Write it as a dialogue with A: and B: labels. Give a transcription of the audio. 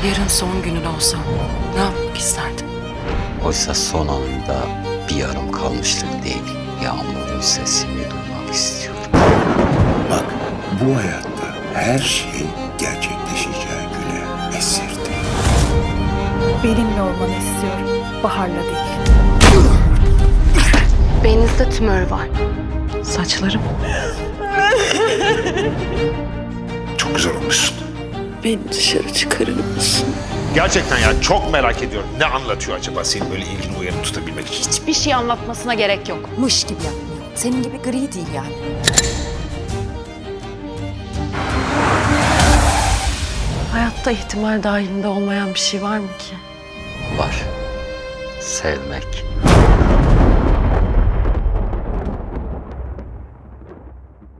A: Yarın son günün olsa ne yapmak isterdin?
B: Oysa son anında bir yarım kalmışlık değil, yağmurun sesini duymak istiyorum.
C: Bak, bu hayatta her şey gerçekleşeceği güne esirdi.
D: Benimle olmanı istiyorum. Bahar'la değil.
A: Beyninizde tümör var. Saçlarım.
C: Çok güzel olmuşsun.
A: Beni dışarı çıkarır mısın?
E: Gerçekten ya çok merak ediyorum. Ne anlatıyor acaba senin böyle ilgini uyanık tutabilmek için?
F: Hiçbir şey anlatmasına gerek yok.
G: Mış gibi yapmıyor. Senin gibi gri değil yani.
A: Hayatta ihtimal dahilinde olmayan bir şey var mı ki?
B: Var. Sevmek.